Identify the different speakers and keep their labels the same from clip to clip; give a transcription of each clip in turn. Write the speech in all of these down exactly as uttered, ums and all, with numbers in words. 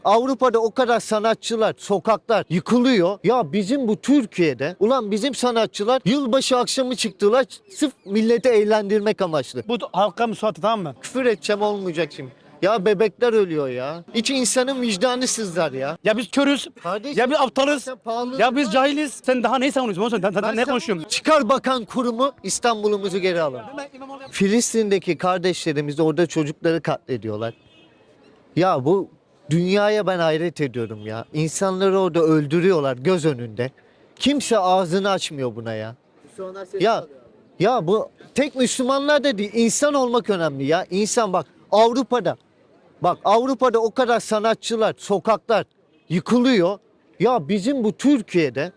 Speaker 1: Avrupa'da o kadar sanatçılar, sokaklar yıkılıyor. Ya bizim bu Türkiye'de, ulan bizim sanatçılar yılbaşı akşamı çıktılar sırf milleti eğlendirmek amaçlı.
Speaker 2: Bu halka müsaade, tamam mı?
Speaker 1: Küfür edeceğim olmayacak şimdi. Ya bebekler ölüyor ya. İç insanın vicdanı sızlar ya.
Speaker 2: Ya biz körüz,
Speaker 1: Kardeşim,
Speaker 2: ya biz aptalız,
Speaker 1: sen pahalı-
Speaker 2: ya biz cahiliz. Sen daha neyi savunuyorsun? Sen, sen, sen
Speaker 1: Ben
Speaker 2: ne
Speaker 1: sen-
Speaker 2: konuşuyorsun?
Speaker 1: Çıkar bakan kurumu, İstanbul'umuzu geri alın. Filistin'deki kardeşlerimiz orada çocukları katlediyorlar. Ya bu dünyaya ben hayret ediyorum ya. İnsanları orada öldürüyorlar göz önünde. Kimse ağzını açmıyor buna ya. Ya ya bu tek Müslümanlar da değil, insan olmak önemli ya. İnsan bak Avrupa'da. Bak Avrupa'da o kadar sanatçılar, sokaklar yıkılıyor. Ya bizim bu Türkiye'de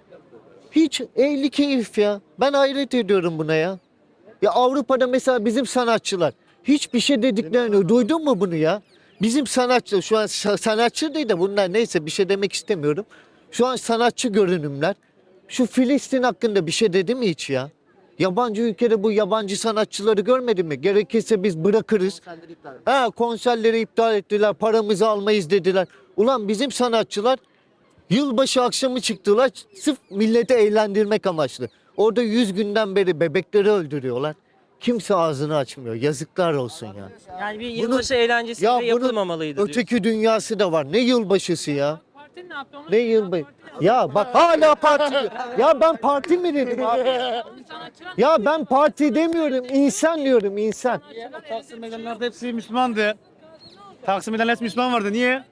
Speaker 1: hiç ehli keyif ya. Ben hayret ediyorum buna ya. Ya Avrupa'da mesela bizim sanatçılar hiçbir şey dediklerini duydun mu bunu ya? Bizim sanatçı şu an sa- sanatçı değil de bunlar neyse bir şey demek istemiyorum. Şu an sanatçı görünümler. Şu Filistin hakkında bir şey dedi mi hiç ya? Yabancı ülkede bu yabancı sanatçıları görmedin mi? Gerekirse biz bırakırız. Ha, konserleri iptal ettiler, paramızı almayız dediler. Ulan bizim sanatçılar yılbaşı akşamı çıktılar sırf milleti eğlendirmek amaçlı. Orada yüz günden beri bebekleri öldürüyorlar. Kimse ağzını açmıyor. Yazıklar olsun ya.
Speaker 3: Yani bir
Speaker 1: Bunun-
Speaker 3: yılbaşı eğlencesi
Speaker 1: Ya
Speaker 3: bile
Speaker 1: bunun
Speaker 3: yapılmamalıydı diyor.
Speaker 1: öteki dünyası da var. Ne yılbaşısı ya?
Speaker 4: Parti ne yaptı onu?
Speaker 1: Ne yılbaşı? Ya bak hala parti diyor. Ya ben parti mi dedim abi?
Speaker 4: Sanatçılar
Speaker 1: Ya ben parti demiyorum. İnsan diyorum insan.
Speaker 2: Taksim meydanlarda hepsi Müslümandı. Taksim meydanlarda hepsi Müslüman vardı. Niye?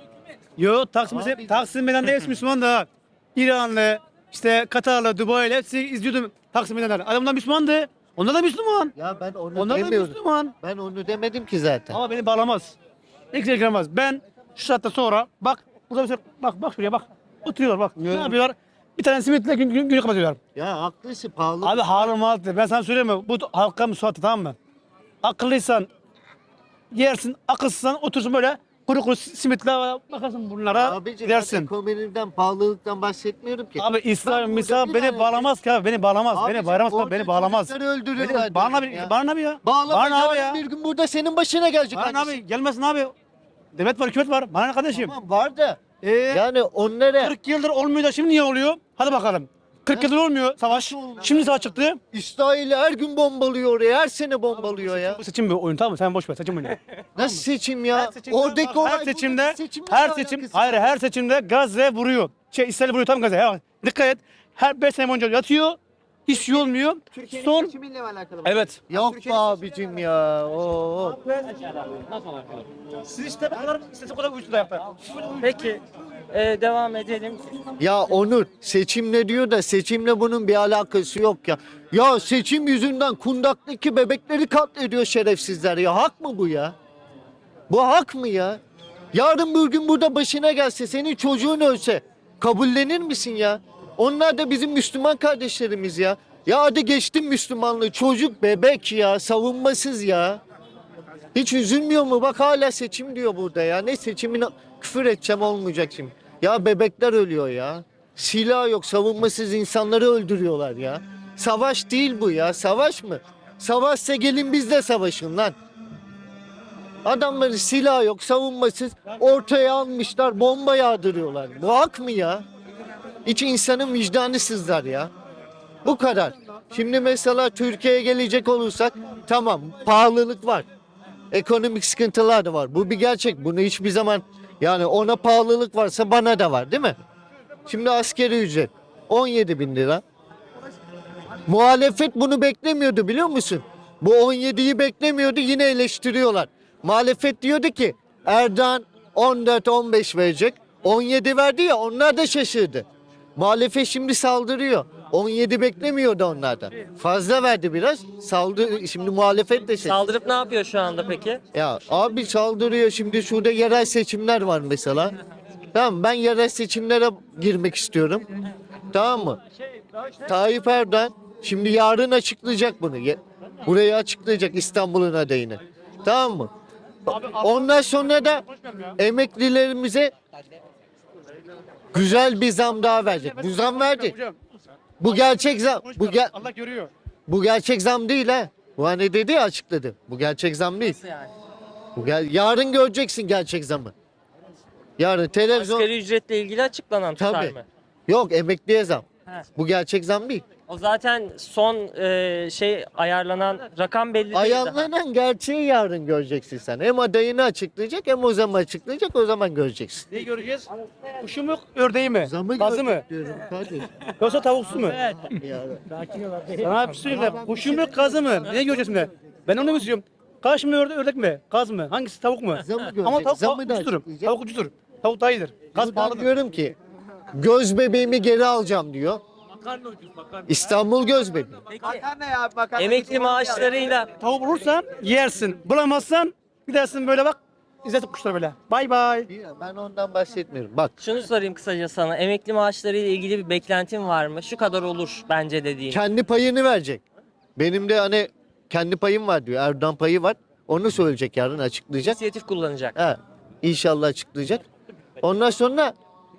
Speaker 2: Yo, Taksim, Taksim meydanında hepsi Müslümandı ha. İranlı, işte Katarlı, Dubai'li hepsi izliyordum Taksim meydanları. Adamlar Müslümandı. Onlar da Müslüman.
Speaker 1: Ya ben onu
Speaker 2: Onlar da
Speaker 1: demiyorum.
Speaker 2: Müslüman.
Speaker 1: Ben onu demedim ki zaten.
Speaker 2: Ama beni bağlamaz. Hiç ilgilenmez. Ben şu saatte sonra bak burada mesela bak bak şuraya bak. Oturuyorlar bak. Ne yapıyorlar? Bir tane simitle gün, gün, günü kapatıyorlar.
Speaker 1: Ya haklısın pahalı.
Speaker 2: Abi haram altı. Ben sana söyleyeyim mi? Bu halka müsaade, tamam mı? Akıllıysan yersin, akılsızsan otursun böyle kuru kuru simitle bakarsın bunlara
Speaker 1: Abicim ben
Speaker 2: gidersin.
Speaker 1: ekonomiden, pahalılıktan bahsetmiyorum ki.
Speaker 2: Abi
Speaker 1: Ben
Speaker 2: İslam,
Speaker 1: burada
Speaker 2: misal
Speaker 1: bir
Speaker 2: beni
Speaker 1: tane-
Speaker 2: bağlamaz ki abi. Beni bağlamaz.
Speaker 1: Abicim,
Speaker 2: beni bağlamaz.
Speaker 1: orada
Speaker 2: Beni bağlamaz.
Speaker 1: çocukları öldürüyorlar
Speaker 2: Beni, bana
Speaker 1: diyorum
Speaker 2: bir,
Speaker 1: ya.
Speaker 2: bana bir ya.
Speaker 1: Bağlama
Speaker 2: Bana abi
Speaker 1: yarın
Speaker 2: ya.
Speaker 1: bir gün burada senin başına gelecek.
Speaker 2: Bana
Speaker 1: annesi.
Speaker 2: abi gelmesin abi. Devlet var, hükümet var. Bana ne kardeşim?
Speaker 1: Tamam var da.
Speaker 2: Ee,
Speaker 1: Yani onlara
Speaker 2: kırk yıldır olmuyor da şimdi niye oluyor? Hadi bakalım. kırk yıldır olmuyor savaş. Şimdi savaş çıktı.
Speaker 1: İsrail her gün bombalıyor oraya. Her sene bombalıyor ya.
Speaker 2: Bu seçim bir oyun, tamam mı? Sen boş ver, seçim oyunu.
Speaker 1: Nasıl seçim ya?
Speaker 2: Her seçimde,
Speaker 1: Oradaki
Speaker 2: bak,
Speaker 1: olay
Speaker 2: her
Speaker 1: bunun
Speaker 2: seçimde,
Speaker 1: seçimle
Speaker 2: her
Speaker 1: ne
Speaker 2: seçim,
Speaker 1: alakası
Speaker 2: hayır
Speaker 1: var?
Speaker 2: her seçimde Gazze vuruyor. Şey İsrail vuruyor tam Gazze. Ya. Dikkat et. Her beş sene boyunca yatıyor. Hiç şey olmuyor. Son.
Speaker 5: Seçimiyle mi alakalı?
Speaker 2: Evet.
Speaker 1: Yok be abicim ya. Oo.
Speaker 2: Siz işte bu kadar istese kadar uyuştu da yapar.
Speaker 3: Peki e, devam edelim.
Speaker 1: Ya Onur seçimle diyor da seçimle bunun bir alakası yok ya. Ya seçim yüzünden kundaktaki bebekleri katlediyor şerefsizler ya. Hak mı bu ya? Bu hak mı ya? Yarın bir gün burada başına gelse senin çocuğun ölse kabullenir misin ya? Onlar da bizim Müslüman kardeşlerimiz ya. Ya hadi geçtim Müslümanlığı. Çocuk bebek ya. Savunmasız ya. Hiç üzülmüyor mu? Bak hala seçim diyor burada ya. Ne seçimine küfür edeceğim olmayacak şimdi. Ya bebekler ölüyor ya. Silah yok. Savunmasız insanları öldürüyorlar ya. Savaş değil bu ya. Savaş mı? Savaşsa gelin biz de savaşın lan. Adamların silah yok, savunmasız ortaya almışlar, bomba yağdırıyorlar. Bu hak mı ya? İç insanın vicdanı sızlar ya. Bu kadar. Şimdi mesela Türkiye'ye gelecek olursak tamam pahalılık var. Ekonomik sıkıntılar da var. Bu bir gerçek. Bunu hiçbir zaman yani ona pahalılık varsa bana da var değil mi? Şimdi askeri ücret on yedi bin lira. Muhalefet bunu beklemiyordu biliyor musun? Bu on yediyi beklemiyordu yine eleştiriyorlar. Muhalefet diyordu ki Erdoğan on dört on beş verecek. on yedi verdi ya onlar da şaşırdı. Muhalefet şimdi saldırıyor. on yedi beklemiyordu onlardan. Fazla verdi biraz. Saldı şimdi muhalefet de şey.
Speaker 3: Saldırıp ne yapıyor şu anda peki?
Speaker 1: Ya abi saldırıyor şimdi şurada yerel seçimler var mesela. Tamam ben yerel seçimlere girmek istiyorum. Tamam mı? Tayyip Erdoğan şimdi yarın açıklayacak bunu. Ye- Burayı açıklayacak İstanbul'un adayını. Tamam mı? Ondan sonra da emeklilerimize güzel bir zam daha verecek. Bu zam verdi.
Speaker 2: Hocam,
Speaker 1: Bu gerçek zam. Bu, ge-
Speaker 2: Allah görüyor.
Speaker 1: bu gerçek zam değil ha. Bu hani dedi ya açıkladı. Bu gerçek zam değil.
Speaker 3: Yani.
Speaker 1: Bu gel- yarın göreceksin gerçek zamı. Yarın televizyon...
Speaker 3: Asgari ücretle ilgili açıklanan tutar
Speaker 1: Tabii.
Speaker 3: mı?
Speaker 1: Yok, emekliye zam.
Speaker 3: He.
Speaker 1: Bu gerçek zam değil.
Speaker 3: O zaten son e, şey ayarlanan rakam belli değil daha.
Speaker 1: Ayarlanan gerçeği yarın göreceksin sen. Hem adayını açıklayacak hem o zaman açıklayacak, o zaman göreceksin.
Speaker 2: Neyi göreceğiz? Kuşu mu, ördeği mi?
Speaker 1: Zamı
Speaker 2: Gazı mı?
Speaker 1: görecek diyorum kardeşim.
Speaker 2: Yoksa tavuksu mu?
Speaker 1: Yani.
Speaker 2: Sana bir şey söyleyeyim de, kuşu mu, gazı mı? Ne göreceğiz şimdi? Ben onu mu istiyorum? Kaş mı, ördek, ördek mi? Gaz mı? Hangisi, tavuk mu?
Speaker 1: Zamı görecek.
Speaker 2: Ama tavuk,
Speaker 1: Zamı
Speaker 2: tavuk
Speaker 1: da
Speaker 2: ucuzdur.
Speaker 1: açıklayacak.
Speaker 2: Tavuk ucuzdur. Tavuk daha iyidir. Gaz
Speaker 1: Buradan
Speaker 2: pahalıdır.
Speaker 1: diyorum ki göz bebeğimi geri alacağım diyor. İstanbul göz bebeği.
Speaker 5: Makarna ya makarna.
Speaker 3: Emekli maaşlarıyla
Speaker 2: Tavuk bulursan yersin. Bulamazsan gidersin böyle bak. İzletin kuşlar böyle. Bay bay.
Speaker 1: Ben ondan bahsetmiyorum. Bak,
Speaker 3: şunu sorayım kısaca sana. Emekli maaşlarıyla ilgili bir beklentin var mı? Şu kadar olur bence dediğin.
Speaker 1: kendi payını verecek. Benim de hani kendi payım var diyor. Erdoğan payı var. Onu söyleyecek, yarın açıklayacak.
Speaker 3: İnisiyatif kullanacak.
Speaker 1: Ha, inşallah açıklayacak. Ondan sonra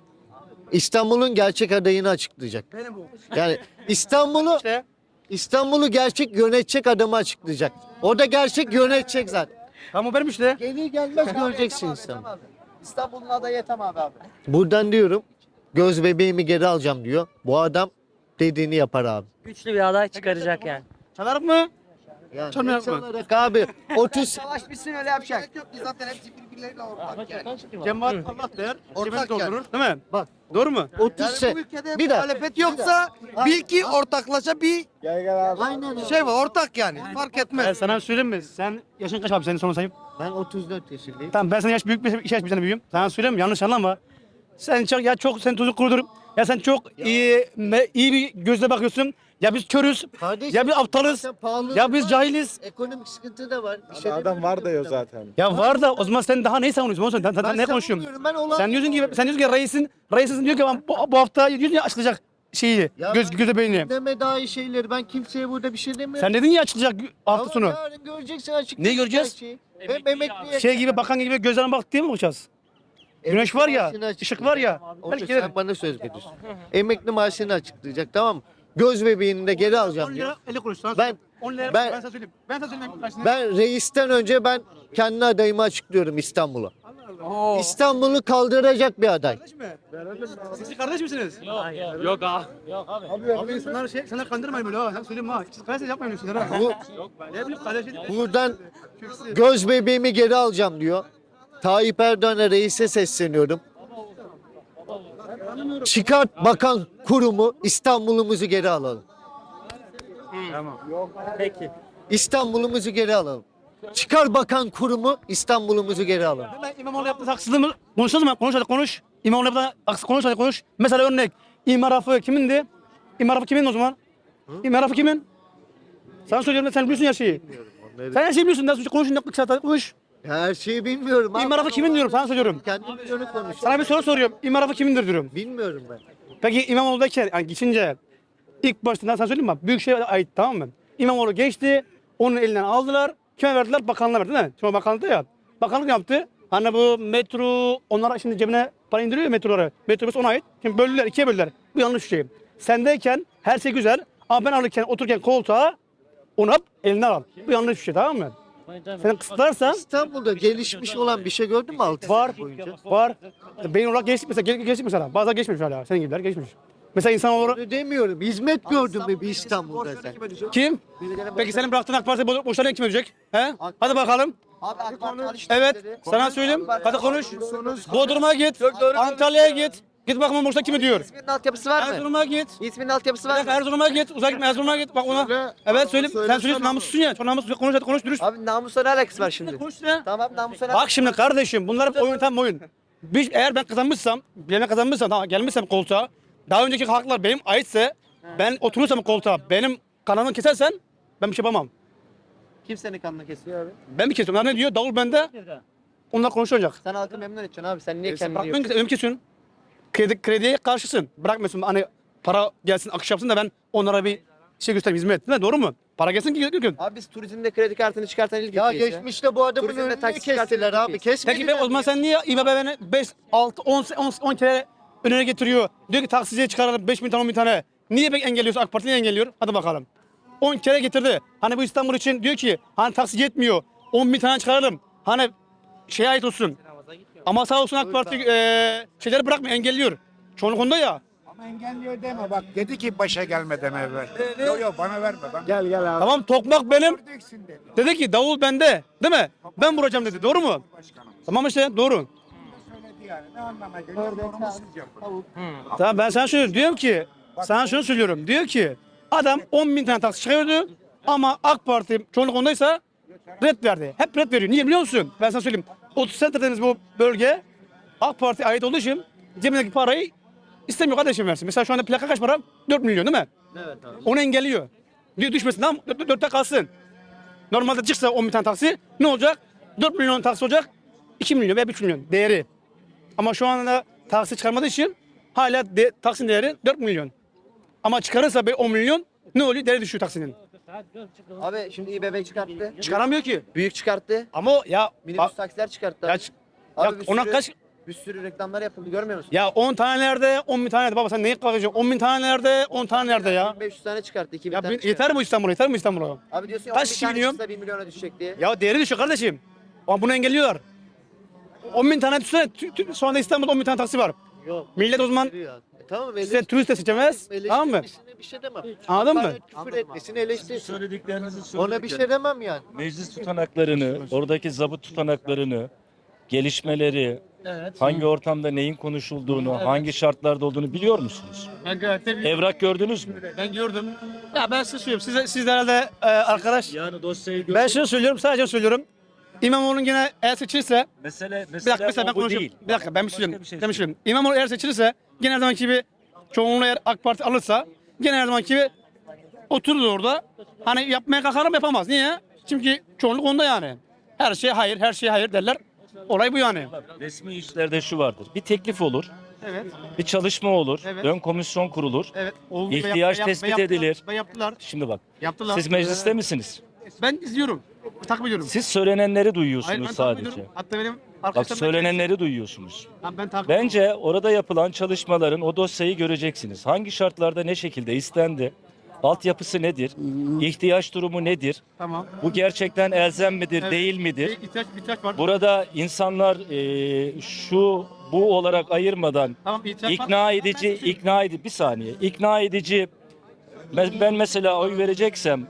Speaker 1: İstanbul'un gerçek adayını açıklayacak.
Speaker 2: Benim bu.
Speaker 1: Yani İstanbul'u
Speaker 2: İşte.
Speaker 1: İstanbul'u gerçek yönetecek adamı açıklayacak. O da gerçek yönetecek zaten.
Speaker 2: Tamam benim işte.
Speaker 1: Gelir gelmez göreceksin İstanbul.
Speaker 5: İstanbul'un adayı Ethem abi abi.
Speaker 1: Buradan diyorum, göz bebeğimi geri alacağım diyor. Bu adam dediğini yapar abi.
Speaker 3: Güçlü bir aday çıkaracak yani.
Speaker 2: Çalar mı?
Speaker 1: Yani
Speaker 2: Canım
Speaker 1: ne
Speaker 2: yapma.
Speaker 1: çalarak abi otuz
Speaker 5: Savaş bitsin öyle yapacak. Yok biz zaten hepsi birbirleriyle ortak yani.
Speaker 2: Cemaat Allah der.
Speaker 5: Ortak
Speaker 2: Cebini
Speaker 5: yani.
Speaker 2: doldurur. Değil mi?
Speaker 1: bak
Speaker 2: Doğru mu?
Speaker 1: otuz
Speaker 5: Yani
Speaker 1: se
Speaker 5: bu ülkede
Speaker 1: bir dakika.
Speaker 5: muhalefet yoksa bil ki ortaklaşa bir
Speaker 1: Aynen öyle.
Speaker 5: şey var ortak yani. Fark
Speaker 2: Ben
Speaker 5: etmez.
Speaker 2: sana bir söyleyeyim mi? Sen yaşın kaç abi senin sonra sayayım.
Speaker 1: Ben otuz dört yaşındayım.
Speaker 2: Tamam ben sana yaş büyük bir iki yaş bir tane büyüğüm. Sana söyleyeyim mi? Yanlış anlama. Sen çok ya çok sen tuzu kurudur. Ya sen çok iyi me- iyi bir gözle bakıyorsun. Ya biz körüz.
Speaker 1: Kardeşim,
Speaker 2: Ya biz aptalız.
Speaker 1: zaten pahalılık
Speaker 2: Ya biz
Speaker 1: var,
Speaker 2: cahiliz.
Speaker 1: ekonomik sıkıntı da var. Bir şey
Speaker 6: Adam
Speaker 1: demiyorum.
Speaker 6: var diyor zaten.
Speaker 2: Ya var da o zaman sen daha neyi savunuyorsun? Oğlum Sen, sen, sen
Speaker 1: Ben
Speaker 2: ne konuşuyorsun?
Speaker 1: savunmuyorum, ben olan-
Speaker 2: Sen diyorsun ki sen diyorsun ki reisin reisin diyor ki ben bu, bu hafta diyorsun ya açılacak şeyi
Speaker 1: Ya
Speaker 2: göz
Speaker 1: ben
Speaker 2: göze beyni.
Speaker 1: Deme daha iyi şeyleri. Ben kimseye burada bir şey demiyorum.
Speaker 2: Sen dedin ya açılacak hafta
Speaker 1: Ama
Speaker 2: sonu.
Speaker 1: yarın göreceksin, açık.
Speaker 2: Ne göreceğiz?
Speaker 1: Hem emekliye.
Speaker 2: Şey gibi bakan gibi gözlerine bak diye mi bakacağız? Güneş var ya,
Speaker 1: maaşını
Speaker 2: ışık var ya.
Speaker 1: Otur,
Speaker 2: Belki
Speaker 1: sen
Speaker 2: gelirim.
Speaker 1: bana söz veriyorsun. Emekli maaşını açıklayacak, tamam mı? Göz bebeğini de geri alacağım
Speaker 2: on
Speaker 1: diyor.
Speaker 2: lira elli kuruş. Sana
Speaker 1: Ben-
Speaker 2: söyleyeyim. on lira
Speaker 1: ben-
Speaker 2: ben, sana söyleyeyim. Ben sana söyleyeyim. Ben,
Speaker 1: Ben reisten önce ben kendi adayımı açıklıyorum İstanbul'a.
Speaker 3: Oo.
Speaker 1: İstanbul'u kaldıracak bir aday.
Speaker 2: Kardeş mi? Siz kardeş misiniz?
Speaker 3: Yok abi.
Speaker 2: Abi insanlar şey, sana kandırmayın böyle ha. Sen söyleyeyim ha. Siz kardeş yapmayın öyle şeyler ha.
Speaker 1: Bu,
Speaker 2: Ne bileyim kardeşin.
Speaker 1: buradan göz bebeğimi geri alacağım diyor. Tayyip Erdoğan'a, reise sesleniyorum. Çıkart bakan kurumu, İstanbul'umuzu geri alalım.
Speaker 3: Peki.
Speaker 1: İstanbul'umuzu geri alalım. Çıkar bakan kurumu, İstanbul'umuzu geri alalım.
Speaker 2: Ben İmamoğlu yaptığı haksızlığı mı? Konuşalım mı? Konuş hadi konuş. İmamoğlu yaptığı haksız konuş hadi konuş. Mesela örnek. İmar Rafı kimindi? İmar Rafı kimin o zaman? İmar Rafı kimin? Sana söylüyorum sen biliyorsun her şeyi. Sen her şeyi biliyorsun. Nasıl konuş ne kısa konuş.
Speaker 1: Her şeyi bilmiyorum. abi.
Speaker 2: İmar Rafı kimin diyorum sana söylüyorum.
Speaker 1: Kendim biliyorum konuşuyorum.
Speaker 2: Sana bir soru soruyorum. İmar Rafı kimindir diyorum.
Speaker 1: Bilmiyorum ben.
Speaker 2: Peki İmamoğlu'dayken yani geçince ilk başta sana söyleyeyim mi? Büyükşehir'e ait tamam mı? İmamoğlu geçti. Onun elinden aldılar. Kime verdiler? Bakanlığa verdi değil mi? Şimdi bakanlıkta ya. Bakanlık ne yaptı? Hani bu metro, onlar şimdi cebine para indiriyor ya metroları. Metrobüs ona ait. Şimdi böldüler, ikiye böldüler. Bu yanlış bir şey. Sendeyken her şey güzel. Ama ben alırken, otururken koltuğa onu hap elinden al. Bu yanlış bir şey tamam mı? Sen kısıtlarsan
Speaker 1: İstanbul'da gelişmiş olan bir şey gördün mü altı
Speaker 2: var,
Speaker 1: sene boyunca?
Speaker 2: var. Beyin olarak geçtik mesela, gel- geçtik mesela. Bazıları geçmemiş hala. Senin gibiler geçmiş. Mesela insan olarak
Speaker 1: Öyle demiyorum. Hizmet gördün mü bir İstanbul'da sen?
Speaker 2: kim? Peki senin bıraktığın AK Parti bo- boşlarına kim ödeyecek? He? Hadi bakalım.
Speaker 5: Abi AK Parti
Speaker 2: Evet, sana söyleyeyim. Hadi konuş. Bodrum'a git. Antalya'ya git. Git bakalım boşta kim ödüyor?
Speaker 5: İsminin altyapısı var mı?
Speaker 2: Erzurum'a git.
Speaker 5: İsminin altyapısı var
Speaker 2: Bak
Speaker 5: mı?
Speaker 2: Erzurum'a git. Uzak gitme Erzurum'a git. Bak ona. Evet söyle. Sen söylüyorsun namussuzsun ya. Çok namussuz. Konuş hadi konuş dürüst.
Speaker 5: Abi namusla ne alakası var şimdi?
Speaker 2: Konuş ya.
Speaker 5: Tamam namusla ne
Speaker 2: Bak şimdi kardeşim bunlar hep oyun tam oyun. Biz, eğer ben kazanmışsam, ben kazanmışsam, tamam, gelmişsem koltuğa, daha önceki haklar benim aitse, ben oturursam koltuğa, benim kanalımı kesersen ben bir şey yapamam.
Speaker 5: Kim senin kanını kesiyor abi?
Speaker 2: Ben mi kesiyorum? Onlar ne diyor? Davul bende. Onlar konuşacak.
Speaker 5: Sen halkı memnun edeceksin abi. Sen niye
Speaker 2: E, sen
Speaker 5: kendini
Speaker 2: bırakmıyorsun
Speaker 5: yiyorsun?
Speaker 2: ki, önüm kesiyorsun. Kredi, krediye karşısın. Bırakmıyorsun hani para gelsin, akış yapsın da ben onlara bir şey göstereyim, hizmet. Değil mi? Doğru mu? Para gelsin ki götürün.
Speaker 5: Abi biz turizmde kredi kartını çıkartan ilk
Speaker 1: Ya
Speaker 5: ülkeyiz
Speaker 1: geçmişte bu adamın
Speaker 5: Turizmde
Speaker 1: önünü
Speaker 5: taksi
Speaker 1: kestiler
Speaker 5: çıkartıyor
Speaker 1: abi.
Speaker 5: ülkeyiz.
Speaker 1: Kesmediler.
Speaker 2: Peki ben, o zaman sen niye İBB'ne beş, altı, on, on, on kere önüne getiriyor? Diyor ki taksiciye çıkaralım beş bin tane on bin tane. Niye pek engelliyorsun? AK Parti niye engelliyor? Hadi bakalım. on kere getirdi. Hani bu İstanbul için diyor ki hani taksici yetmiyor. on bin tane çıkaralım. Hani şeye ait olsun. Ama sağ olsun AK Parti e, şeyleri bırakmıyor, engelliyor. Çoğunluk onda ya.
Speaker 6: Ama engelliyor deme bak dedi ki başa gelmeden evvel. Yok yok bana verme ben. Gel gel abi.
Speaker 2: Tamam tokmak benim.
Speaker 6: Göreceksin dedi.
Speaker 2: Dedi ki davul bende. Değil mi? Ben vuracağım dedi. Doğru mu?
Speaker 6: Başkanım.
Speaker 2: Tamam işte doğru.
Speaker 6: Söyledi yani. Ne anlama geliyor? Doğru mu siz yapın?
Speaker 2: Tamam ben sana söylüyorum. Diyorum ki sana şunu söylüyorum. Diyor ki adam on bin tane taksi çıkarıyordu ama AK Parti çoğunluk ondaysa red verdi. Hep red veriyor. Niye biliyor musun? Ben sana söyleyeyim. otuz Center dediğimiz bu bölge AK Parti ait olduğu için cebindeki parayı istemiyor kardeşim versin. Mesela şu anda plaka kaç para? dört milyon değil mi?
Speaker 1: Evet abi.
Speaker 2: Onu engelliyor. Diyor düşmesin tamam dörtte kalsın. Normalde çıksa on bin tane taksi ne olacak? dört milyon taksi olacak. iki milyon veya üç milyon değeri. Ama şu anda taksi çıkarmadığı için hala de, taksinin değeri dört milyon. Ama çıkarırsa be on milyon ne oluyor? Değeri düşüyor taksinin.
Speaker 5: Abi şimdi İBB çıkarttı.
Speaker 2: Çıkaramıyor ki.
Speaker 5: Büyük çıkarttı.
Speaker 2: Ama o- ya
Speaker 5: Minibüs taksiler çıkarttı.
Speaker 2: ya,
Speaker 5: abi.
Speaker 2: ç-
Speaker 5: Abi
Speaker 2: ya
Speaker 5: bir
Speaker 2: ona
Speaker 5: sürü-
Speaker 2: kaç
Speaker 5: Bir sürü reklamlar yapıldı görmüyor musun?
Speaker 2: ya on tane nerede? on bin tane nerede? Baba sen neyi kalkacaksın? on bin tane nerede? on tane nerede ya?
Speaker 5: bin beş yüz tane çıkarttı. iki bin
Speaker 2: Ya
Speaker 5: tane
Speaker 2: bin-
Speaker 5: çıkarttı.
Speaker 2: yeter mi İstanbul'a? Yeter mi İstanbul'a?
Speaker 5: Abi diyorsun ya
Speaker 2: Kaç
Speaker 5: on bin
Speaker 2: kişi
Speaker 5: tane
Speaker 2: biniyor?
Speaker 5: çıksa bir milyona düşecek diye.
Speaker 2: Ya değeri düşüyor kardeşim. Ama bunu engelliyorlar. on bin tane düşünsene. Tü- tü- Şu anda İstanbul'da on bin tane taksi var.
Speaker 1: Yok.
Speaker 2: Millet o zaman
Speaker 1: E, tamam
Speaker 2: size turist de seçemez. Tamam mı?
Speaker 1: eleştirmesine bir şey demem.
Speaker 2: Anladın mı?
Speaker 1: Hakaret, Küfür etmesini eleştirsin.
Speaker 7: Söylediklerinizi
Speaker 1: Ona bir şey demem yani.
Speaker 7: Meclis tutanaklarını, oradaki zabıt tutanaklarını, gelişmeleri, hangi ortamda neyin konuşulduğunu, hangi şartlarda olduğunu biliyor musunuz?
Speaker 2: Ben gayet de
Speaker 7: Evrak gördünüz mü?
Speaker 2: Ben gördüm. Ya ben size söylüyorum. Size, siz de herhalde e, arkadaş.
Speaker 7: Yani dosyayı gör.
Speaker 2: Ben şunu söylüyorum. Sadece söylüyorum. İmamoğlu'nun gene eğer seçilirse.
Speaker 7: Mesele,
Speaker 2: Bir
Speaker 7: mesele
Speaker 2: dakika mesela ben
Speaker 7: o bu
Speaker 2: konuşayım.
Speaker 7: değil.
Speaker 2: Bir dakika ben bir
Speaker 7: Başka
Speaker 2: söyleyeyim.
Speaker 7: bir şey
Speaker 2: Ben bir söyleyeyim. İmamoğlu eğer seçilirse gene her zamanki gibi çoğunluğu eğer AK Parti alırsa gene her zamanki gibi oturur orada. Hani yapmaya kalkarım yapamaz. Niye? Çünkü çoğunluk onda yani. Her şey hayır, her şey hayır derler. Olay bu yani.
Speaker 7: Resmi işlerde şu vardır. Bir teklif olur,
Speaker 2: Evet.
Speaker 7: bir çalışma olur,
Speaker 2: Evet.
Speaker 7: ön komisyon kurulur.
Speaker 2: Evet. Oldu ve
Speaker 7: İhtiyaç
Speaker 2: yap- ve
Speaker 7: tespit
Speaker 2: yaptılar,
Speaker 7: edilir.
Speaker 2: Ve yaptılar.
Speaker 7: Şimdi bak,
Speaker 2: Yaptılar.
Speaker 7: siz mecliste misiniz?
Speaker 2: Ben izliyorum. Takip ediyorum.
Speaker 7: Siz söylenenleri
Speaker 2: Hayır,
Speaker 7: duyuyorsunuz
Speaker 2: ben takip
Speaker 7: sadece.
Speaker 2: ediyorum. Hatta benim
Speaker 7: Bak
Speaker 2: arkadaşlarım
Speaker 7: söylenenleri duyuyorsunuz.
Speaker 2: Ben, ben takip ediyorum.
Speaker 7: Bence orada yapılan çalışmaların o dosyayı göreceksiniz. Hangi şartlarda ne şekilde istendi? Altyapısı nedir? İhtiyaç durumu nedir?
Speaker 2: Tamam.
Speaker 7: Bu gerçekten elzem midir,
Speaker 2: Evet.
Speaker 7: değil midir?
Speaker 2: Bir ihtiyaç, bir ihtiyaç var.
Speaker 7: Burada insanlar e, şu bu olarak ayırmadan
Speaker 2: Tamam, ihtiyaç
Speaker 7: ikna
Speaker 2: var.
Speaker 7: edici,
Speaker 2: Ben- ben-
Speaker 7: ikna edici bir saniye. İkna edici ben, ben mesela oy vereceksem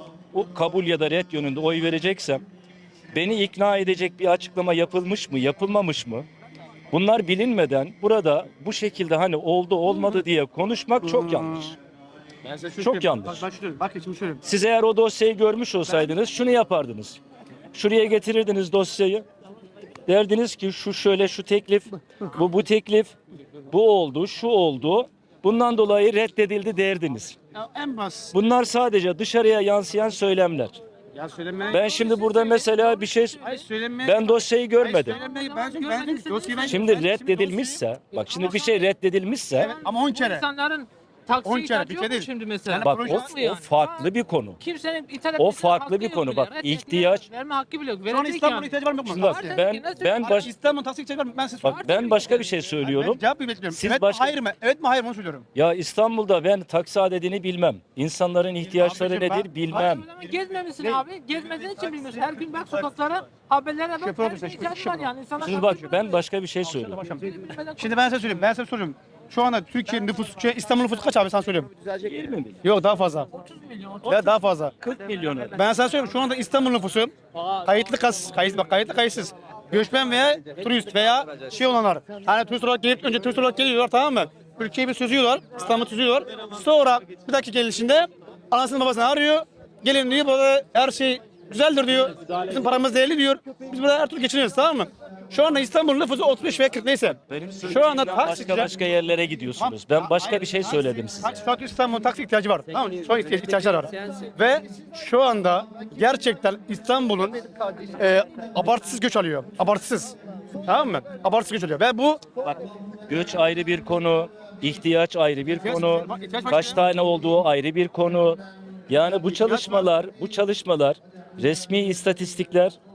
Speaker 7: o kabul ya da red yönünde oy vereceksem beni ikna edecek bir açıklama yapılmış mı, yapılmamış mı? Bunlar bilinmeden burada bu şekilde hani oldu olmadı diye konuşmak çok yanlış.
Speaker 2: Ben size şunu
Speaker 7: Çok
Speaker 2: söyleyeyim.
Speaker 7: yanlış.
Speaker 2: Bak, bak, şunu, bak şimdi söyleyeyim.
Speaker 7: Siz eğer o dosyayı görmüş olsaydınız şunu yapardınız. Şuraya getirirdiniz dosyayı. Derdiniz ki şu şöyle şu teklif, bu bu teklif, bu oldu, şu oldu. Bundan dolayı reddedildi derdiniz.
Speaker 2: Ya en bas.
Speaker 7: Bunlar sadece dışarıya yansıyan söylemler.
Speaker 2: Ya söylemeye...
Speaker 7: Ben şimdi burada mesela bir şey
Speaker 2: Hayır söylemeye...
Speaker 7: ben dosyayı görmedim.
Speaker 2: Söylemeyi ben görmedim. Dosyayı ben...
Speaker 7: Şimdi reddedilmişse, bak şimdi bir şey reddedilmişse
Speaker 2: Evet, ama on kere.
Speaker 4: İnsanların
Speaker 2: On
Speaker 4: taksi
Speaker 2: kere,
Speaker 4: ihtiyacı
Speaker 2: bir
Speaker 4: yok
Speaker 2: kere
Speaker 4: mu
Speaker 2: değil.
Speaker 4: şimdi mesela?
Speaker 7: bak
Speaker 2: proje
Speaker 7: o,
Speaker 4: Yok mu yani?
Speaker 7: o farklı bir konu.
Speaker 4: Kimsenin ithal
Speaker 7: O
Speaker 4: etmesine
Speaker 7: farklı
Speaker 4: hakkı
Speaker 7: bir
Speaker 4: yok
Speaker 7: konu.
Speaker 4: bile.
Speaker 7: Bak,
Speaker 4: Reddettiler,
Speaker 7: ihtiyaç-
Speaker 4: verme hakkı bile yok.
Speaker 2: Şu an
Speaker 4: Verecek
Speaker 2: İstanbul'a
Speaker 4: yani.
Speaker 2: ihtiyacı var mı yok mu?
Speaker 7: Şimdi bak
Speaker 2: Taksi.
Speaker 7: ben ben baş
Speaker 2: İstanbul taksi ihtiyacı var mı? Ben size
Speaker 7: bak ben başka bir şey söylüyorum.
Speaker 2: Ben cevap bekliyorum.
Speaker 7: Siz
Speaker 2: evet
Speaker 7: başka-
Speaker 2: mi hayır mı? Evet mi hayır mı onu söylüyorum.
Speaker 7: Ya İstanbul'da ben taksi adedini bilmem. İnsanların ihtiyaçları
Speaker 2: Abicim ben-
Speaker 7: nedir bilmem.
Speaker 4: Abi, gezmemişsin
Speaker 2: Ne?
Speaker 4: abi. Gezmediğin için bilmiyorsun. Her gün bak sokaklara, haberlere bak.
Speaker 2: Şoför
Speaker 4: Her
Speaker 2: olursa
Speaker 4: şey
Speaker 2: şoför-
Speaker 4: ihtiyacı var yani. İnsanlar
Speaker 7: Şimdi bak
Speaker 4: taksi-
Speaker 7: ben başka bir şey söylüyorum.
Speaker 2: Şimdi ben size söyleyeyim. Ben size soruyorum. Şu anda Türkiye'nin nüfusu, şey, İstanbul nüfusu kaç abi sana söylüyorum.
Speaker 5: Düzelecek.
Speaker 7: yirmi milyon.
Speaker 2: Yok daha fazla. Ya daha fazla.
Speaker 7: kırk milyon.
Speaker 2: Ben sana söylüyorum şu anda İstanbul nüfusu kayıtlı kas, kayıt, bak kayıtlı kayıtsız. Göçmen veya turist veya şey olanlar. Hani turist olarak gelip önce turist olarak geliyorlar tamam mı? Ülkeyi bir süzüyorlar, İstanbul'u süzüyorlar. Sonra bir dakika gelişinde anasını babasını arıyor. Gelin diyor burada her şey güzeldir diyor. Bizim paramız değerli diyor. Biz burada her türlü geçiniyoruz tamam mı? Şu anda İstanbul nüfusu otuz beş veya kırk neyse.
Speaker 7: Benim
Speaker 2: Şu anda
Speaker 7: başka
Speaker 2: taksiciler...
Speaker 7: başka yerlere gidiyorsunuz. Ben başka bir şey söyledim size.
Speaker 2: Taksi, Fatih İstanbul'un taksi ihtiyacı var. Tamam mı? Şu an ihtiyaç, ihtiyaçlar var. Ve şu anda gerçekten İstanbul'un e, abartısız göç alıyor. Abartısız. Tamam mı? Abartısız göç alıyor. Ve bu
Speaker 7: Bak göç ayrı bir konu, ihtiyaç ayrı bir
Speaker 2: İhtiyaç-
Speaker 7: konu,
Speaker 2: ihtiyaç
Speaker 7: kaç
Speaker 2: başka-
Speaker 7: tane olduğu ayrı bir konu. Yani bu çalışmalar, bu çalışmalar resmi istatistikler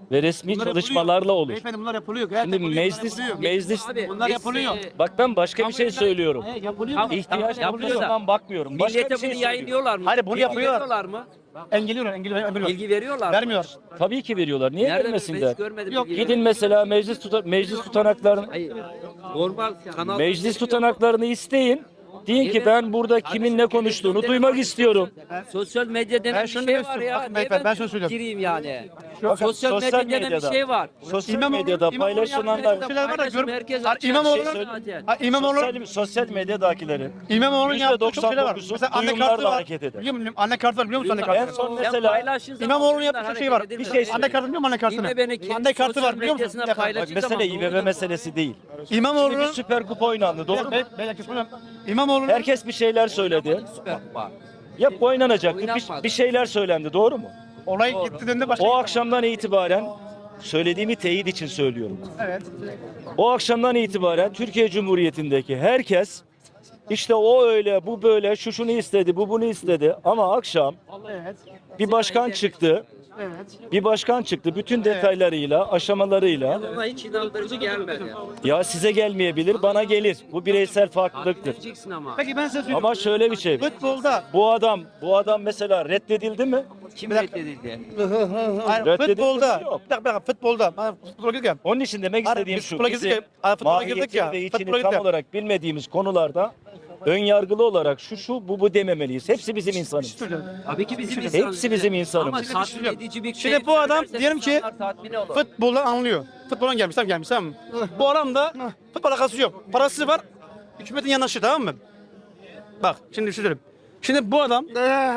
Speaker 7: ve resmi
Speaker 2: Bunlar
Speaker 7: çalışmalarla
Speaker 2: yapılıyor.
Speaker 7: olur.
Speaker 2: Beyefendi bunlar yapılıyor.
Speaker 7: Şimdi
Speaker 2: Gerçekten bunlar
Speaker 7: meclis
Speaker 2: yapılıyor.
Speaker 7: meclis
Speaker 4: Abi,
Speaker 2: Bunlar
Speaker 4: biz,
Speaker 2: yapılıyor.
Speaker 4: e,
Speaker 7: bak ben başka bir şey söylüyorum.
Speaker 2: He, yapılıyor.
Speaker 4: Tamam.
Speaker 7: İhtiyaç
Speaker 4: yapılıyor da.
Speaker 7: olduğundan bakmıyorum. Başka
Speaker 4: Millete
Speaker 7: bir şey
Speaker 4: bunu
Speaker 7: söylüyorum.
Speaker 4: yayınlıyorlar mı?
Speaker 2: Hayır, bunu
Speaker 4: Bilgi
Speaker 2: yapıyorlar.
Speaker 4: veriyorlar mı?
Speaker 2: Engelliyorlar, engelliyorlar. engelliyorlar.
Speaker 4: Bilgi veriyorlar mı?
Speaker 2: Vermiyor.
Speaker 7: Tabii ki veriyorlar. Niye
Speaker 4: Nerede? Ben
Speaker 7: vermesinler?
Speaker 4: hiç görmedim.
Speaker 2: Yok,
Speaker 4: bilgi
Speaker 7: Gidin mesela meclis tuta meclis tutanaklarını
Speaker 4: Hayır. Normal kanal.
Speaker 7: meclis tutanaklarını isteyin. Deyin ki ben burada kimin ne konuştuğunu duymak istiyorum.
Speaker 4: Sosyal medya denen
Speaker 2: Ben
Speaker 4: bir
Speaker 2: şunu
Speaker 4: şey
Speaker 2: demek
Speaker 4: var
Speaker 2: istiyorum.
Speaker 4: ya.
Speaker 2: Bakın
Speaker 4: Niye
Speaker 2: beyefendi, ben
Speaker 4: ben
Speaker 2: şunu söylüyorum.
Speaker 4: gireyim yani?
Speaker 7: Bakın,
Speaker 4: Sosyal,
Speaker 7: sosyal
Speaker 4: medya denen bir
Speaker 7: medyada-
Speaker 4: şey var.
Speaker 7: Sosyal
Speaker 2: İmamoğlu-
Speaker 7: medyada
Speaker 2: İmamoğlu
Speaker 7: paylaşılanlar
Speaker 2: yaptığı şeyler var da gör.
Speaker 4: Herkes
Speaker 2: Ha,
Speaker 4: açık
Speaker 2: İmamoğlu'nun
Speaker 7: şey
Speaker 4: zaten.
Speaker 2: ha, İmamoğlu
Speaker 7: sosyal, sosyal medyadakilerin
Speaker 2: İmamoğlu'nun
Speaker 7: yüzde
Speaker 2: yaptığı çok şeyler var.
Speaker 7: doksan dokuzu
Speaker 2: Mesela anne
Speaker 7: duyumlarla
Speaker 2: kartı var.
Speaker 7: hareket eder.
Speaker 2: Biliyor musun? Anne kartı var biliyor musun anne
Speaker 7: En
Speaker 2: kartı?
Speaker 7: son
Speaker 4: Sen
Speaker 7: mesela
Speaker 4: paylaştığın zaman
Speaker 2: İmamoğlu'nun
Speaker 4: bunlar
Speaker 2: yaptığı şey var.
Speaker 4: hareket
Speaker 7: Bir
Speaker 4: edilmez.
Speaker 7: şey
Speaker 2: Anne
Speaker 7: söyleyeyim.
Speaker 2: kartı biliyor musun anne kartını?
Speaker 4: Yine beni kendi
Speaker 2: Anne kartı
Speaker 4: sosyal
Speaker 2: var biliyor musun?
Speaker 4: medyasına
Speaker 2: Bir dakika.
Speaker 7: bak
Speaker 4: paylaştığı
Speaker 7: mesele
Speaker 4: zaman
Speaker 7: İ B
Speaker 4: doğru
Speaker 7: B
Speaker 4: mu?
Speaker 7: meselesi değil. Şimdi bir
Speaker 2: İmamoğlu'nun
Speaker 7: Süper Kupa oynandı doğru mu?
Speaker 2: Be- be- be- be- İmamoğlu'nun
Speaker 7: Herkes bir şeyler söyledi.
Speaker 4: Süper Kupa.
Speaker 7: Ya oynanacaktı. Bir,
Speaker 4: Oynanmadı.
Speaker 7: bir şeyler söylendi doğru mu?
Speaker 2: olay gittiğinde başka.
Speaker 7: O akşamdan itibaren söylediğimi teyit için söylüyorum.
Speaker 2: Evet.
Speaker 7: O akşamdan itibaren Türkiye Cumhuriyeti'ndeki herkes işte o öyle, bu böyle, şu şunu istedi, bu bunu istedi. Ama akşam
Speaker 2: Evet.
Speaker 7: bir başkan çıktı.
Speaker 2: Evet.
Speaker 7: Bir başkan çıktı bütün detaylarıyla, aşamalarıyla.
Speaker 4: Buna hiç inandırıcı gelmedi.
Speaker 7: Ya size gelmeyebilir, bana gelir. Bu bireysel farklılıktır.
Speaker 4: Diyeceksin ama.
Speaker 2: Peki ben size söyleyeyim.
Speaker 7: Ama şöyle bir şey.
Speaker 2: Futbolda
Speaker 7: Bu adam, bu adam mesela reddedildi mi?
Speaker 4: Kim reddedildi?
Speaker 2: hayır,
Speaker 7: Reddedildi
Speaker 2: futbolda
Speaker 7: mi? Yok.
Speaker 2: bir dakika, bir dakika, futbolda ben futbola girdik ya.
Speaker 7: Onun için demek
Speaker 2: Hayır,
Speaker 7: istediğim
Speaker 2: biz
Speaker 7: şu.
Speaker 2: futbola girdik
Speaker 7: Bizi
Speaker 2: ya, hayır, futbola girdik
Speaker 7: mahiyetini
Speaker 2: ya,
Speaker 7: ve içini
Speaker 2: futbola
Speaker 7: tam
Speaker 2: girdik.
Speaker 7: olarak bilmediğimiz konularda ön yargılı olarak şu şu bu bu dememeliyiz. Hepsi bizim insanımız.
Speaker 4: Tabii ki bizim
Speaker 7: Hepsi
Speaker 4: insanımız.
Speaker 7: bizim insanımız.
Speaker 4: Ama tatmin edici bir şey
Speaker 2: Şimdi bu adam
Speaker 4: söylerse
Speaker 2: diyelim ki
Speaker 4: insanlar tatmin olur.
Speaker 2: futboldan anlıyor. Futboldan gelmiş tamam gelmiş tamam mı? Bu adam da futbol alakası yok. Parası var. Hükümetin yanaşı tamam mı? Bak şimdi bir şey söyleyeyim. Şimdi bu adam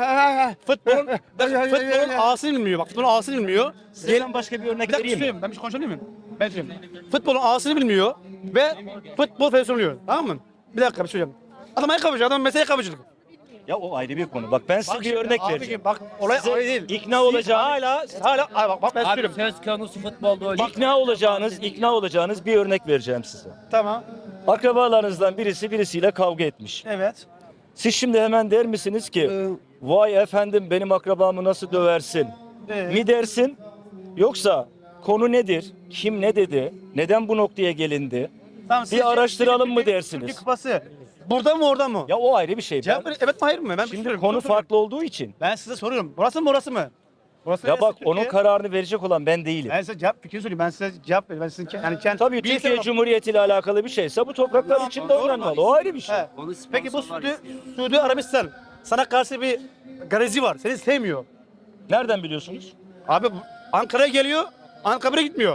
Speaker 2: futbol futbolun ağasını bilmiyor. Bak futbolun ağasını bilmiyor.
Speaker 7: Sizden başka bir örnek
Speaker 2: Bir dakika
Speaker 7: vereyim mi?
Speaker 2: söyleyeyim. Ben bir şey konuşabilir miyim? Ben söyleyeyim. Futbolun ağasını bilmiyor ve futbol federasyonu oluyor. Tamam mı? Bir dakika bir şey söyleyeyim. Adam ayakkabıcı, adam mesleği ayakkabıcılık.
Speaker 7: Ya o ayrı bir konu. Bak ben size bir
Speaker 2: şimdi
Speaker 7: örnek
Speaker 2: abicim,
Speaker 7: vereceğim.
Speaker 2: Bak olay
Speaker 7: Size
Speaker 2: olay değil.
Speaker 7: ikna
Speaker 2: Siz
Speaker 7: olacağınız-
Speaker 2: hala hala ay bak, bak ben
Speaker 4: Abi
Speaker 2: söyleyeyim.
Speaker 4: söz konusu futbolda öyle.
Speaker 7: İkna olacağınız, ikna olacağınız bir örnek vereceğim size.
Speaker 2: Tamam.
Speaker 7: Akrabalarınızdan birisi birisiyle kavga etmiş.
Speaker 2: Evet.
Speaker 7: Siz şimdi hemen der misiniz ki vay efendim benim akrabamı nasıl döversin
Speaker 2: Evet.
Speaker 7: mi dersin? Yoksa konu nedir? Kim ne dedi? Neden bu noktaya gelindi?
Speaker 2: Tamam,
Speaker 7: Bir araştıralım mı dersiniz?
Speaker 2: Türkiye Kupası. Burada mı orada mı?
Speaker 7: Ya o ayrı bir şey.
Speaker 2: Cevap
Speaker 7: Ben-
Speaker 2: verin, evet mi hayır mı? Ben bir şey
Speaker 7: şimdi
Speaker 2: soruyorum,
Speaker 7: konu
Speaker 2: soru soruyorum.
Speaker 7: farklı olduğu için.
Speaker 2: Ben size soruyorum. Burası mı orası mı? Burası
Speaker 7: Ya
Speaker 2: neresi
Speaker 7: bak
Speaker 2: Türkiye?
Speaker 7: onun kararını verecek olan ben değilim.
Speaker 2: Ben size cevap fikrini söyleyeyim. Ben size cevap veriyorum. Ben sizin ke- yani kendi
Speaker 7: Tabii
Speaker 2: bireysel
Speaker 7: Türkiye
Speaker 2: olarak-
Speaker 7: Cumhuriyeti ile alakalı bir şeyse bu topraklar içinde
Speaker 2: doğru.
Speaker 7: oynanmalı. O ayrı bir şey.
Speaker 2: He.
Speaker 4: Onu
Speaker 2: Peki bu
Speaker 4: sponsorlar
Speaker 2: Suudi,
Speaker 4: istiyor.
Speaker 2: Suudi Arabistan sana karşı bir garezi var. Seni sevmiyor.
Speaker 7: Nereden biliyorsunuz?
Speaker 2: Abi bu- Ankara'ya geliyor. Ankara'ya gitmiyor.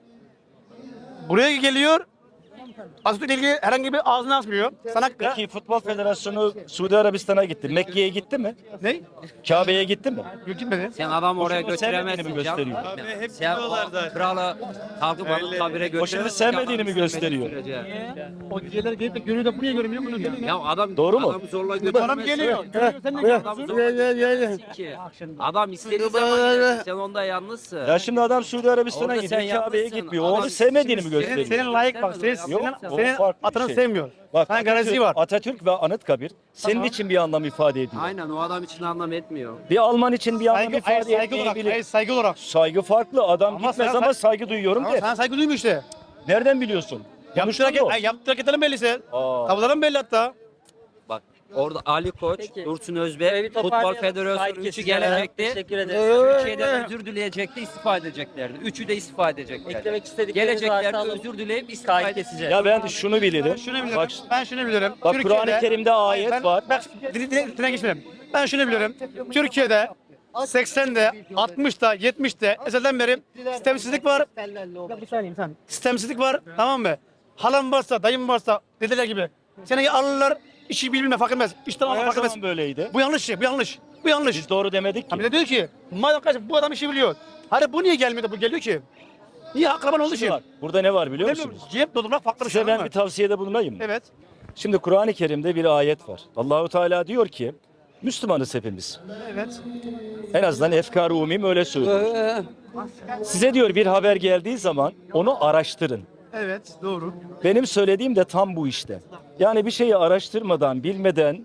Speaker 2: Buraya geliyor. Atatürk'le ilgili herhangi bir ağzını açmıyor. Sana
Speaker 7: Peki Futbol Federasyonu Suudi Arabistan'a gitti. Mekke'ye gitti mi?
Speaker 2: ne?
Speaker 7: Kabe'ye gitti mi?
Speaker 2: Yok gitmedi.
Speaker 4: Sen adam oraya
Speaker 7: Hoşunu sevmediğini
Speaker 4: götüremezsin.
Speaker 7: mi
Speaker 4: canım.
Speaker 7: gösteriyor?
Speaker 4: Sen o kralı kalkıp alıp kabire götüremezsin.
Speaker 7: Hoşunu sevmediğini mi
Speaker 4: Adam
Speaker 7: gösteriyor?
Speaker 4: istemediği sürece.
Speaker 2: O geceler gelip de görüyor da buraya görmüyor. Bunu görüyor.
Speaker 4: Ya adam
Speaker 7: Doğru mu?
Speaker 4: Adam zorla götüremezsin.
Speaker 2: Adam geliyor. Görüyor, sen de
Speaker 4: Adam
Speaker 2: geliyorsun.
Speaker 4: zorla ki. Adam istediği zaman gelir. Sen onda yalnızsın.
Speaker 7: Ya şimdi adam Suudi Arabistan'a
Speaker 4: Orada
Speaker 7: gidiyor,
Speaker 4: sen
Speaker 7: Kabe'ye
Speaker 4: yalnızsın.
Speaker 7: gitmiyor.
Speaker 4: Adam
Speaker 7: Onu sevmediğini mi
Speaker 4: şimdi
Speaker 2: Senin,
Speaker 7: gösteriyor?
Speaker 2: senin layık bak. Senin,
Speaker 7: Yok,
Speaker 2: senin,
Speaker 7: o
Speaker 2: senin
Speaker 7: farklı bir
Speaker 2: atanı
Speaker 7: şey.
Speaker 2: sevmiyor.
Speaker 7: Bak
Speaker 2: Sana garezi
Speaker 7: Atatürk,
Speaker 2: var.
Speaker 7: Atatürk ve Anıtkabir senin
Speaker 2: Tamam.
Speaker 7: için bir anlam ifade ediyor.
Speaker 4: Aynen o adam için anlam etmiyor.
Speaker 7: Bir Alman için bir anlam
Speaker 2: Saygı, hayır,
Speaker 7: ifade
Speaker 2: saygı olarak.
Speaker 7: etmeyebilir.
Speaker 2: Hayır, saygı olarak.
Speaker 7: Saygı farklı. Adam
Speaker 2: Ama
Speaker 7: gitmez
Speaker 2: sana-
Speaker 7: ama saygı duyuyorum
Speaker 2: Ama
Speaker 7: der.
Speaker 2: sana saygı duymuyor işte.
Speaker 7: Nereden biliyorsun?
Speaker 2: Yaptığı
Speaker 7: Konuştun
Speaker 2: hareket,
Speaker 7: mu?
Speaker 2: ay, yaptığı hareketlerin belliyse.
Speaker 7: Aa.
Speaker 2: Tavırların belli hatta.
Speaker 4: Bak orada Ali Koç,
Speaker 3: Peki.
Speaker 4: Dursun
Speaker 3: Böyle
Speaker 4: Özbek,
Speaker 3: bir
Speaker 4: Futbol
Speaker 3: toparlayalım.
Speaker 4: Federasyonu
Speaker 3: Sahip
Speaker 4: üçü
Speaker 3: kesiciler.
Speaker 4: gelecekti.
Speaker 3: Teşekkür ederiz.
Speaker 4: Türkiye'de özür dileyecekti, istifa edeceklerdi. Üçü de istifa edeceklerdi.
Speaker 3: Eklemek istedikleriniz varsa
Speaker 4: Geleceklerdi,
Speaker 3: alın.
Speaker 4: özür dileyip istifa
Speaker 3: Sahip
Speaker 4: edeceklerdi.
Speaker 3: keseceğiz.
Speaker 7: Ya ben şunu bilirim.
Speaker 2: Şunu bilirim.
Speaker 7: Bak,
Speaker 2: ben şunu bilirim.
Speaker 7: bak
Speaker 2: Türkiye'de-
Speaker 7: Kur'an-ı Kerim'de ayet
Speaker 2: ben,
Speaker 7: var.
Speaker 2: Bak dile, dile, dile geçmeyelim. Ben şunu bilirim. Türkiye'de seksende, altmışta, yetmişte ezelden beri sistemsizlik var. Ya bir saniye sen. Sistemsizlik var. Tamam mı? Halam varsa, dayım varsa dediler gibi. Seni alırlar, işi bilme fark etmez. İşten alma
Speaker 7: Her
Speaker 2: fark etmez.
Speaker 7: zaman böyleydi.
Speaker 2: Bu yanlış şey, bu yanlış. Bu yanlış.
Speaker 7: Biz doğru demedik
Speaker 2: Ha bir
Speaker 7: ki.
Speaker 2: de diyor ki, madem kardeşim bu adam işi biliyor. Hadi bu niye gelmiyor da bu geliyor ki? Niye akraban olduğu için?
Speaker 7: Bak, burada ne var biliyor
Speaker 2: Demiyorum,
Speaker 7: musunuz?
Speaker 2: cep doldurmak farklı bir şey.
Speaker 7: Size ben
Speaker 2: anladın
Speaker 7: bir
Speaker 2: mı?
Speaker 7: tavsiyede bulunayım mı?
Speaker 2: Evet.
Speaker 7: Şimdi Kur'an-ı Kerim'de bir ayet var. Allahu Teala diyor ki Müslümanız hepimiz.
Speaker 2: Evet.
Speaker 7: En azından efkar-ı umum öyle söylüyor. Size diyor bir haber geldiği zaman onu araştırın.
Speaker 2: Evet, doğru.
Speaker 7: Benim söylediğim de tam bu işte. Yani bir şeyi araştırmadan, bilmeden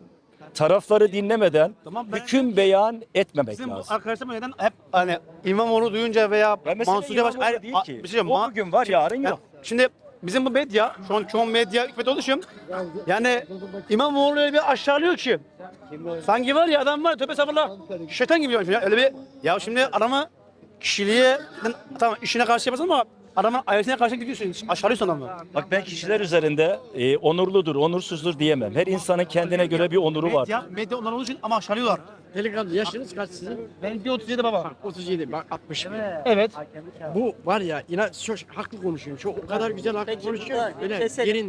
Speaker 7: tarafları dinlemeden
Speaker 2: Tamam, ben-
Speaker 7: hüküm beyan etmemek
Speaker 2: Bizim
Speaker 7: lazım.
Speaker 2: arkadaşlarım neden hep hani İmamoğlu duyunca veya
Speaker 7: Ben mesela
Speaker 2: Mansur Yavaş
Speaker 7: İmamoğlu
Speaker 2: hayır,
Speaker 7: değil
Speaker 2: a-
Speaker 7: ki.
Speaker 2: bir şey
Speaker 7: O
Speaker 2: ma-
Speaker 7: bugün var, yarın
Speaker 2: Ya,
Speaker 7: yok.
Speaker 2: Şimdi bizim bu medya, şu an çoğun medya hükümet oluşum. Yani İmamoğlu'yu bir aşağılıyor ki. Sanki var ya adam var tövbe estağfurullah. Şeytan gibi ya. Öyle bir ya şimdi adamı kişiliğe tamam işine karşı yaparsın ama adamın ailesine karşı gidiyorsun. Aşağılıyorsun adamı.
Speaker 7: Bak ben kişiler üzerinde e, onurludur, onursuzdur diyemem. Her insanın kendine göre bir onuru var.
Speaker 2: Medya, medya onlar olduğu için ama aşağılıyorlar.
Speaker 8: Delikanlı yaşınız kaç sizin?
Speaker 2: Ben bir otuz yedi baba.
Speaker 8: otuz yedi, bak altmış bir.
Speaker 2: Evet.
Speaker 8: Bu var ya inan çok haklı konuşuyorum. Çok o kadar güzel haklı konuşuyor. Böyle
Speaker 3: Keselim.
Speaker 8: yerin